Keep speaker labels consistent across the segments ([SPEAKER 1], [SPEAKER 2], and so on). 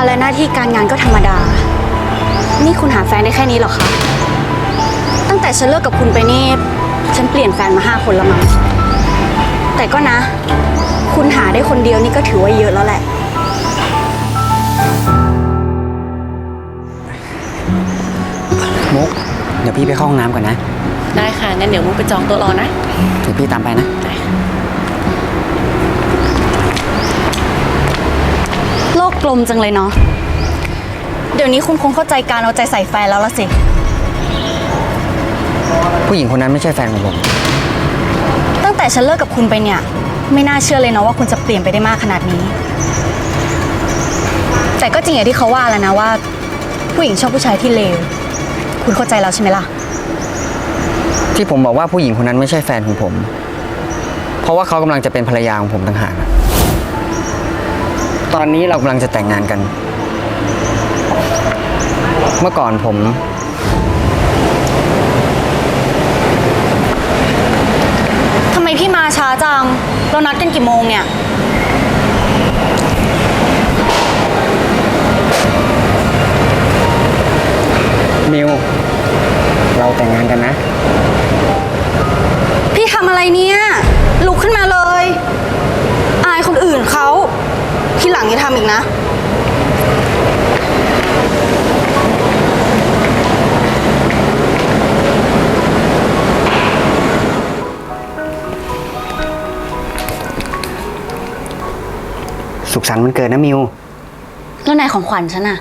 [SPEAKER 1] และหน้าที่การงานก็ธรรมดานี่คุณหาแฟนได้แค่นี้เหรอคะตั้งแต่ฉันเลิกกับคุณไปนี่ฉันเปลี่ยนแฟนมา5 คนแล้วมั้งแต่ก็นะคุณหาได้คนเดียวนี่ก็ถือว่าเยอะแล้วแหละ
[SPEAKER 2] มุกเดี๋ยวพี่ไปเข้าห้องน้ำก่อนนะ
[SPEAKER 3] ได้ค่ะงั้นเดี๋ยวมุกไปจองโต๊ะรอนะ
[SPEAKER 2] เดี๋ยวพี่ตามไปนะ
[SPEAKER 1] โลกกลมจังเลยเนาะเดี๋ยวนี้คุณคงเข้าใจการเอาใจใส่แฟนแล้วละสิ
[SPEAKER 2] ผู้หญิงคนนั้นไม่ใช่แฟนของผม
[SPEAKER 1] ตั้งแต่ฉันเลิกกับคุณไปเนี่ยไม่น่าเชื่อเลยเนาะว่าคุณจะเปลี่ยนไปได้มากขนาดนี้แต่ก็จริงอย่างที่เขาว่าแล้วนะว่าผู้หญิงชอบผู้ชายที่เลวคุณเข้าใจแล้วใช่ไหมล่ะ
[SPEAKER 2] ที่ผมบอกว่าผู้หญิงคนนั้นไม่ใช่แฟนของผมเพราะว่าเขากำลังจะเป็นภรรยาของผมต่างหากตอนนี้เรากำลังจะแต่งงานกันเมื่อก่อนผม
[SPEAKER 1] ทำไมพี่มาช้าจังเรานัดกันกี่โมงเนี่ย
[SPEAKER 2] มิวเราแต่งงานกันนะ
[SPEAKER 1] พี่ทำอะไรเนี่ยลุกขึ้นมาเลยอายคนอื่นเขาทีหลังอย่าทำอีกนะ
[SPEAKER 2] สุขสันต์วันเกิดนะมิว
[SPEAKER 1] แล้วไหนของขวัญฉันอะ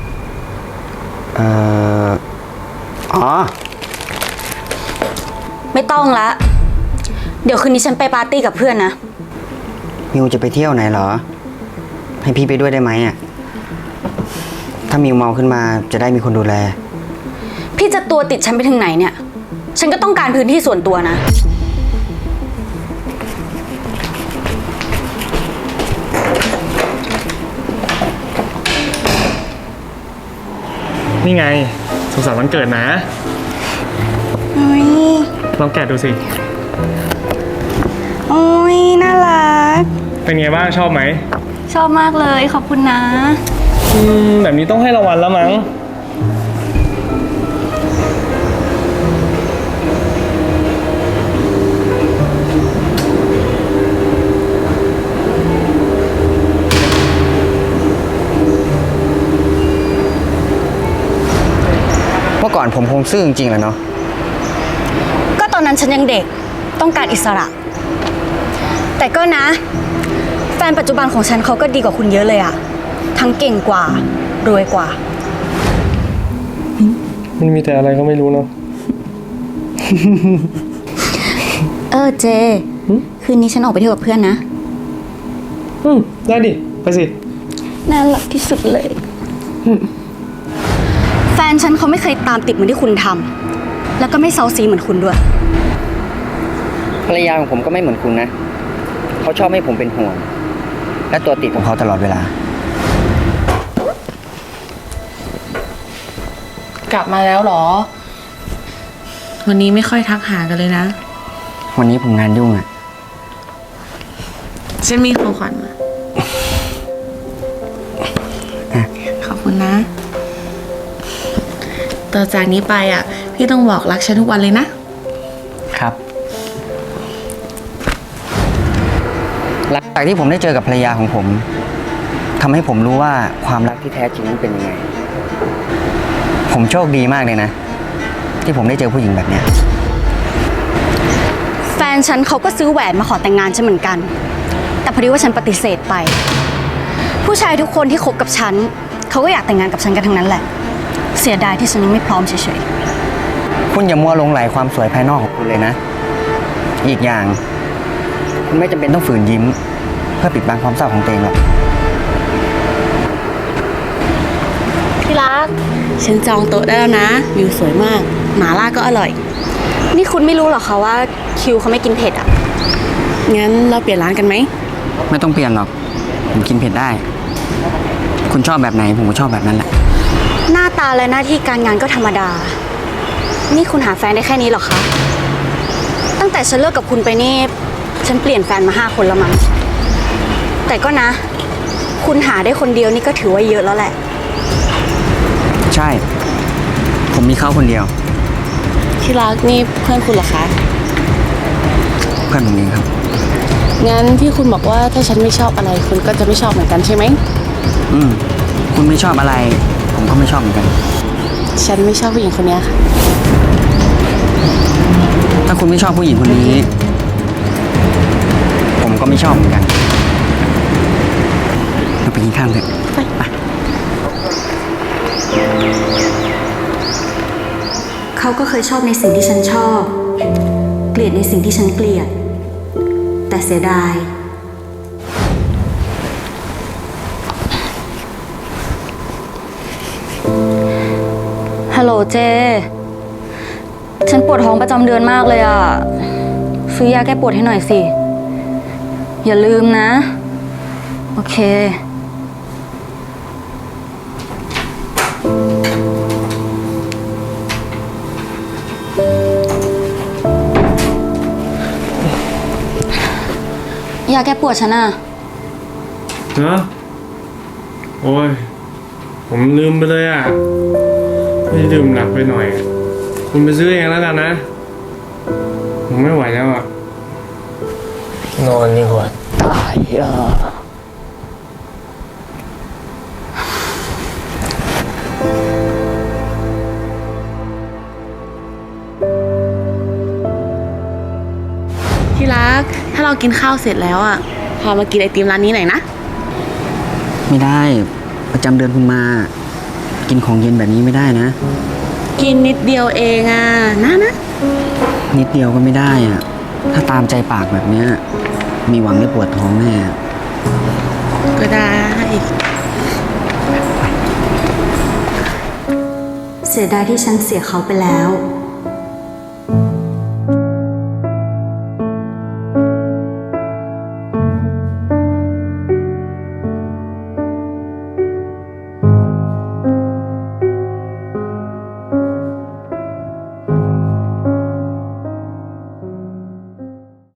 [SPEAKER 2] อ๋อ
[SPEAKER 1] ไม่ต้องละเดี๋ยวคืนนี้ฉันไปปาร์ตี้กับเพื่อนนะ
[SPEAKER 2] มิวจะไปเที่ยวไหนเหรอให้พี่ไปด้วยได้ไหมอ่ะถ้ามิวเมาขึ้นมาจะได้มีคนดูแล
[SPEAKER 1] พี่จะตัวติดฉันไปถึงไหนเนี่ยฉันก็ต้องการพื้นที่ส่วนตัวนะ
[SPEAKER 4] นี่ไงสุขสันต์วันเกิดนะลองแกะดูสิ
[SPEAKER 1] โอ้ยน่ารัก
[SPEAKER 4] เป็นไงบ้างชอบไหม
[SPEAKER 1] ชอบมากเลยขอบคุณนะ
[SPEAKER 4] แบบนี้ต้องให้รางวัลแล้วมั้ง
[SPEAKER 2] เมื่อก่อนผมคงซื่อจริงๆแหละเนาะ
[SPEAKER 1] ก็ตอนนั้นฉันยังเด็กต้องการอิสระแต่ก็นะแฟนปัจจุบันของฉันเขาก็ดีกว่าคุณเยอะเลยอะทั้งเก่งกว่ารวยกว่า
[SPEAKER 4] มันมีแต่อะไรก็ไม่รู้เนาะ
[SPEAKER 1] เจคืนนี้ฉันออกไปเที่ยวกับเพื่อนนะ
[SPEAKER 4] ได้ดิไปสิ
[SPEAKER 1] น่ารักที่สุดเลยแฟนฉันเขาไม่เคยตามติดเหมือนที่คุณทำแล้วก็ไม่เซาซีเหมือนคุณด้วย
[SPEAKER 2] ภรรยาของผมก็ไม่เหมือนคุณนะเขาชอบให้ผมเป็นห่วงและตัวติดของเขาตลอดเวลาก
[SPEAKER 3] ลับมาแล้วเหรอวันนี้ไม่ค่อยทักหากันเลยนะ
[SPEAKER 2] วันนี้ผมงานยุ่งอ่ะ
[SPEAKER 3] ฉันมีของขวัญมาขอบคุณนะต่อจากนี้ไปอ่ะพี่ต้องบอกรักฉันทุกวันเลยนะครับ
[SPEAKER 2] หลังจากที่ผมได้เจอกับภรรยาของผมทำให้ผมรู้ว่าความรักที่แท้จริงนั้นเป็นยังไงผมโชคดีมากเลยนะที่ผมได้เจอผู้หญิงแบบเนี้ย
[SPEAKER 1] แฟนฉันเขาก็ซื้อแหวนมาขอแต่งงานฉันเหมือนกันแต่พอดีว่าฉันปฏิเสธไปผู้ชายทุกคนที่คบกับฉันเขาก็อยากแต่งงานกับฉันกันทั้งนั้นแหละเสียดายที่ฉันยังไม่พร้อมเฉย
[SPEAKER 2] ๆคุณอย่ามัวหลงไหลความสวยภายนอกของคุณเลยนะอีกอย่างคุณไม่จำเป็นต้องฝืนยิ้มเพื่อปิดบังความเศร้าของตัวเองหรอก
[SPEAKER 1] ที่รัก
[SPEAKER 3] ฉันจองโต๊ะได้แล้วนะวิวสวยมากหม่าล่าก็อร่อย
[SPEAKER 1] นี่คุณไม่รู้หรอคะว่าคิวเขาไม่กินเผ็ดอ่ะ
[SPEAKER 3] งั้นเราเปลี่ยนร้านกันไหม
[SPEAKER 2] ไม่ต้องเปลี่ยนหรอกผมกินเผ็ดได้คุณชอบแบบไหนผมก็ชอบแบบนั้นแหละ
[SPEAKER 1] หน้าตาและหน้าที่การงานก็ธรรมดานี่คุณหาแฟนได้แค่นี้หรอคะตั้งแต่ฉันเลิกกับคุณไปนี่ฉันเปลี่ยนแฟนมา5 คนแล้วมั้งแต่ก็นะคุณหาได้คนเดียวนี่ก็ถือว่าเยอะแล้วแหละ
[SPEAKER 2] ใช่ ผมมีเขาคนเดียว
[SPEAKER 3] ที่รักนี่เพื่อนคุณเหรอคะ
[SPEAKER 2] เพื่อนผมเองครับ
[SPEAKER 3] งั้นที่คุณบอกว่าถ้าฉันไม่ชอบอะไรคุณก็จะไม่ชอบเหมือนกันใช่ไหม
[SPEAKER 2] อืม คุณไม่ชอบอะไร ผมก็ไม่ชอบเหมือนกัน
[SPEAKER 3] ฉันไม่ชอบผู้หญิงคนเนี้ยค่ะ
[SPEAKER 2] ถ้าคุณไม่ชอบผู้หญิงคนนี้ ผมก็ไม่ชอบเหมือนกันเราไปกินข้าวเถอะไป
[SPEAKER 1] เขาก็เคยชอบในสิ่งที่ฉันชอบ เกลียดในสิ่งที่ฉันเกลียด แต่เสียดาย ฮัลโหลเจ ฉันปวดท้องประจำเดือนมากเลยอ่ะ ซื้อยาแก้ปวดให้หน่อยสิ อย่าลืมนะ โอเค ยาแก้ปวดฉันอ่ะ
[SPEAKER 4] ฮะโอ้ย ผมลืมไปเลยอ่ะ ไม่ดื่มหนักไปหน่อย คุณไปซื้อเองแล้วกันนะ ผมไม่ไหวแล้วอ่ะ นอนดีกว่าตายอ่ะ
[SPEAKER 3] ที่รัก ถ้าเรากินข้าวเสร็จแล้วอ่ะ พามากินไอติมร้านนี้หน่อยนะ
[SPEAKER 2] ไม่ได้ ประจำเดือนคุณมา กินของเย็นแบบนี้ไม่ได้นะ
[SPEAKER 3] กินนิดเดียวเองอ่ะนะ
[SPEAKER 2] นิดเดียวก็ไม่ได้อะถ้าตามใจปากแบบเนี้ย มีหวังได้ปวดท้องแน่
[SPEAKER 3] ก็ได้
[SPEAKER 1] เสียดายที่ฉันเสียเขาไปแล้ว